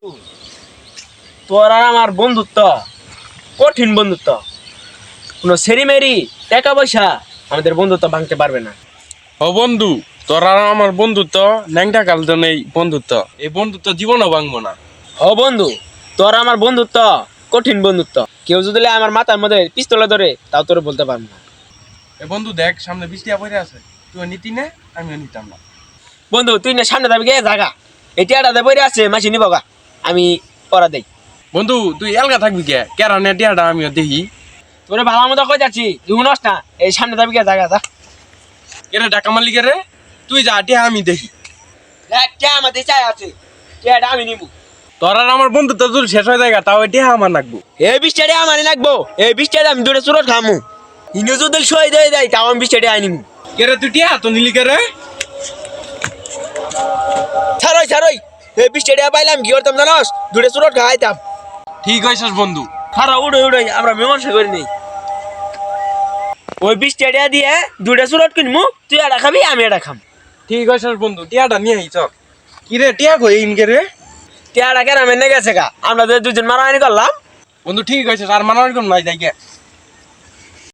তোর আর আমার বন্ধুত্ব কঠিন বন্ধুত্ব। কোনো সেরিমেরি টাকা পয়সা আমাদের বন্ধুত্ব ভাঙতে পারবে না। ও বন্ধু, তোর আর আমার বন্ধুত্ব ন্যাংটা কালতো নেই বন্ধুত্ব, এই বন্ধুত্ব জীবনও ভাঙবো না। ও বন্ধু, তোর আমার বন্ধুত্ব কঠিন বন্ধুত্ব। কেউ যদি আমার মাথার মধ্যে পিস্তলে ধরে তাও তোরে বলতে পারবো না। এ বন্ধু দেখ, সামনে বৃষ্টি পড়ে আছে, তুই নিতি না, আমিও নিতাম না। বন্ধু তুই না সামনে যাবি গে জাগা, এই টিয়াটা বইরে আছে মাসি নিব গা, আমি পড়া দেই। বন্ধু তুই এলগা থাকবি কে, কেরা নেটিয়াটা আমিও দেখি। তোরে ভালো মতো কই যাচ্ছি, শুনস না? এই সামনে যাবি গে জাগা যা। এরা ডাকা মারলি কে রে? তুই যা, টিয়া আমি দেখি। দেখ টিয়া আমাদের চাই আছে, টিয়াটা আমি নিবো। তোর আর আমার বন্ধুত্ব যদি শেষ হয়ে যায় তাও টিয়া আমার নাকবো। এই বৃষ্টিটা আমার লাগবো, এই বৃষ্টিটা আমি দূরে চুরত খামু। ইনু যদি সই দিয়ে দেয় তাও আমি বৃষ্টিটা আনিমু। কে রে তুই টিয়া তো নিলি কে রে? ছাড়ই ছাড়ই, এই বৃষ্টিটা পাইলাম কি করতাম জানোস? দূরে চুরত খাইতাম। ঠিক হয়েছিস বন্ধু। খারা উড়ে উড়ে আমরা মীমাংসা করে নেই। ওই বৃষ্টিটা দিয়ে দূরে চুরত কিনমু, তুই এটা খাবি আমি এটা খাম। ঠিক হয়েছিস বন্ধু, টিয়াটা নিয়ে আই চল। কি রে টিয়া কই ইনকে রে? টিয়াটা কেন মেনে গেছে গা, আমরা যে দুজন মারামারি করলাম। বন্ধু ঠিক হয়েছে, আর মানার কোন নাই যাই গে।